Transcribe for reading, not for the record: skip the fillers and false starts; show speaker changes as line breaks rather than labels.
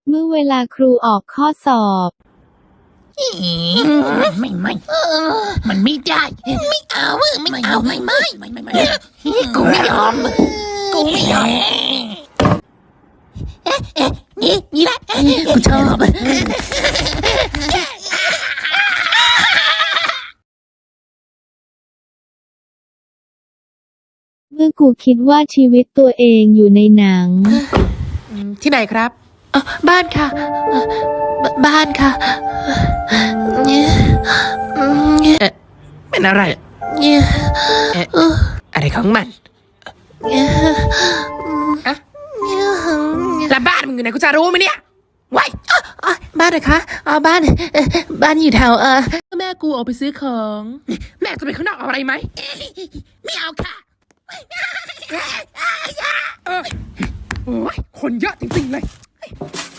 เมื่อเวลาครูออกข้อสอบ
ไม่มันไม่ได้ไม่เอาไม่กูไม่ยอมนี่แหละกูชอบ
เมื่อกูคิดว่าชีวิตตัวเองอยู่ในหนัง
ที่ไหนครับบ้านค่ะบ้านค่ะเป็นอะไรอะไรของมันแล้วบ้านมึงอยู่ไหนกูจะรู้ไหมเนี่ยว้ายบ้านเหรอคะบ้านอยู่แถวแม่กูออกไปซื้อของแม่จะไปข้างนอกเอาอะไรไหม
ไม่เอาค่ะ
โอ้ยคนเยอะจริงๆเลย